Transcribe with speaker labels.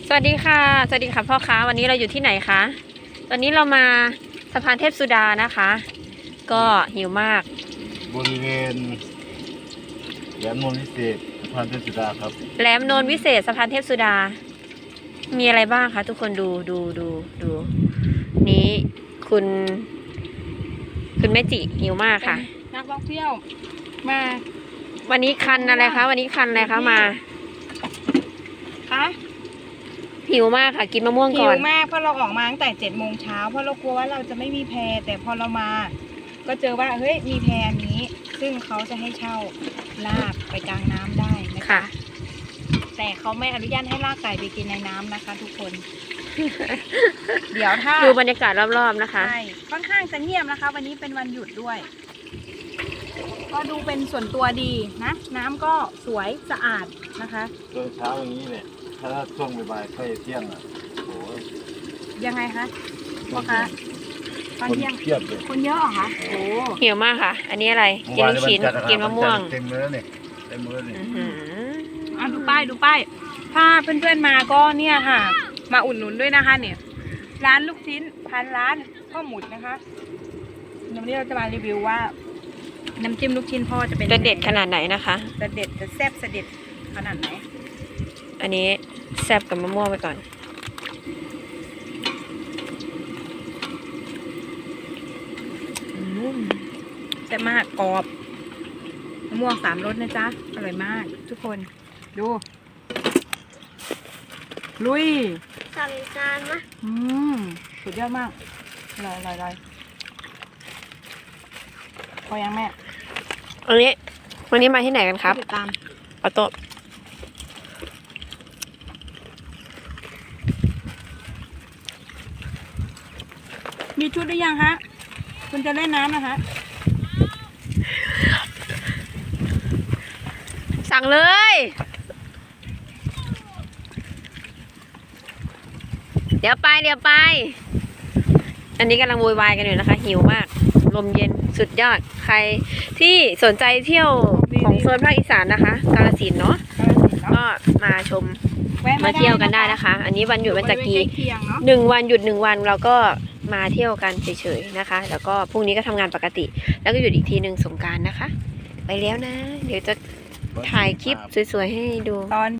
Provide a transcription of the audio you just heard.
Speaker 1: สวัสดีค่ะสวัสดีค่ะพ่อค้าวันนี้เราอยู่ที่ไหนคะตอนนี้เรามาสะพานเทพสุดานะคะ ก็หิวมาก
Speaker 2: บริเวณแหลมโนนวิเศษสะพานเทพสุดาครับ
Speaker 1: แหลมโนนวิเศษสะพานเทพสุดามีอะไรบ้างคะทุกคนดูนี้คุณแม่จิหิวมากค่ะ
Speaker 3: นักท่องเที่ยวมา
Speaker 1: วันนี้คันอะไรคะวันนี้คันอะไรคะมา
Speaker 3: คะ
Speaker 1: หิวมากค่ะกินมะม่วงก่อน
Speaker 3: หิวมากเพราะเราออกมาตั้งแต่7 โมงเช้าเพราะเรากลัวว่าเราจะไม่มีแพแต่พอเรามาก็เจอว่าเฮ้ยมีแพนี้ซึ่งเขาจะให้เช่าลากไปกลางน้ำได้นะคะแต่เขาไม่อนุญาตให้ลากไก่ไปกินในน้ำนะคะทุกคน เดี๋ยวถ้า
Speaker 1: ดูบรรยากาศรอบๆนะคะ
Speaker 3: ใช่ค่อนข้างจะเงียบนะคะวันนี้เป็นวันหยุดด้วยก็ดูเป็นส่วนตัวดีนะน้ำก็สวยสะอาดนะคะ
Speaker 2: ตอนเช้าอย่างนี้เนี่ยถ้าช่วงบ่ายๆใกล้เที่ยงอ่ะโอ้ย
Speaker 3: ยังไงคะพ่อคะตอนเที่ยง
Speaker 2: เพียบเลย
Speaker 3: คนเยอะเหรอคะโอ้
Speaker 1: หิวมากค่ะอันนี้อะไรกินลูกชิ้นกินมะม่วง
Speaker 2: เต็มเลยเนี่ยเต็มเลยเนี่ย
Speaker 3: ดูป้ายถ้าเพื่อนๆมาก็เนี่ยค่ะมาอุดหนุนด้วยนะคะเนี่ยร้านลูกชิ้นพันร้านพ่อหมุดนะคะวันนี้เราจะมารีวิวว่าน้ำจิ้มลูกชิ้นพ่อจะเป็น
Speaker 1: จะเด็ดขนาดไหนนะคะ
Speaker 3: จะเด็ดจะแซ่บเด็ดขนาดไหน
Speaker 1: อันนี้แซ่บกับมะม่วงไปก่อน
Speaker 3: แซ่บมากกรอบมะม่วง3 รสนะจ๊ะอร่อยมากทุกคนดูลุย
Speaker 1: สั่งจานมะ
Speaker 3: สุดยอดมากอร่อยพอยังแม่
Speaker 1: วันนี้มาที่ไหนกันครับ
Speaker 3: ติดตาม
Speaker 1: ออโต้
Speaker 3: มีชุดหรือยังฮะคุณจะเล่นน้ำนะคะ
Speaker 1: สั่งเลยเดี๋ยวไปอันนี้กำลังโวยวายกันอยู่นะคะหิวมากลมเย็นสุดยอดใครที่สนใจเที่ยวของโซนภาคอีสานนะคะกาฬสินธุ์เนาะก็มาชมมาเที่ยวกันได้นะคะอันนี้วันหยุดวันจักรี1 วันหยุด1 วันเราก็มาเที่ยวกันเฉยๆนะคะแล้วก็พรุ่งนี้ก็ทำงานปกติแล้วก็หยุดอีกทีหนึ่งสงกรานต์นะคะไปแล้วนะเดี๋ยวจะถ่ายคลิปสวยๆให้ดู
Speaker 3: ตอน